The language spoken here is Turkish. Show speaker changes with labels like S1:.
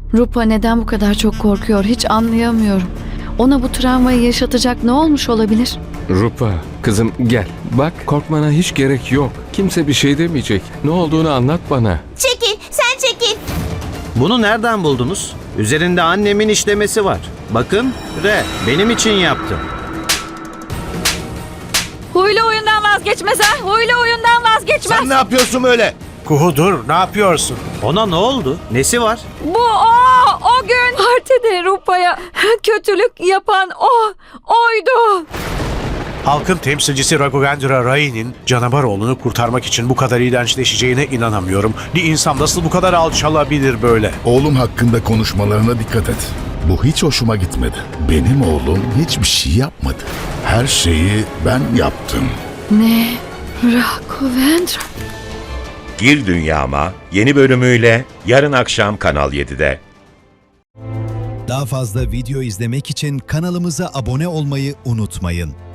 S1: Rupa neden bu kadar çok korkuyor hiç anlayamıyorum. Ona bu travmayı yaşatacak ne olmuş olabilir?
S2: Rupa, kızım gel. Bak korkmana hiç gerek yok. Kimse bir şey demeyecek. Ne olduğunu anlat bana.
S3: Çekil, sen çekil.
S4: Bunu nereden buldunuz? Üzerinde annemin işlemesi var. Bakın, benim için yaptım.
S1: Huylu oyundan vazgeçmez ha! Huylu oyundan vazgeçmez!
S5: Sen ne yapıyorsun öyle?
S6: Kuhu dur, ne yapıyorsun?
S4: Ona ne oldu? Nesi var?
S1: Bu o gün partide Rupa'ya kötülük yapan oydu.
S6: Halkın temsilcisi Raghavendra Rai'nin canavar oğlunu kurtarmak için bu kadar iğrençleşeceğine inanamıyorum. Bir insan nasıl bu kadar alçalabilir böyle?
S5: Oğlum hakkında konuşmalarına dikkat et. Bu hiç hoşuma gitmedi. Benim oğlum hiçbir şey yapmadı. Her şeyi ben yaptım.
S1: Ne? Raghavendra?
S7: Gir Dünyama yeni bölümüyle yarın akşam Kanal 7'de.
S8: Daha fazla video izlemek için kanalımıza abone olmayı unutmayın.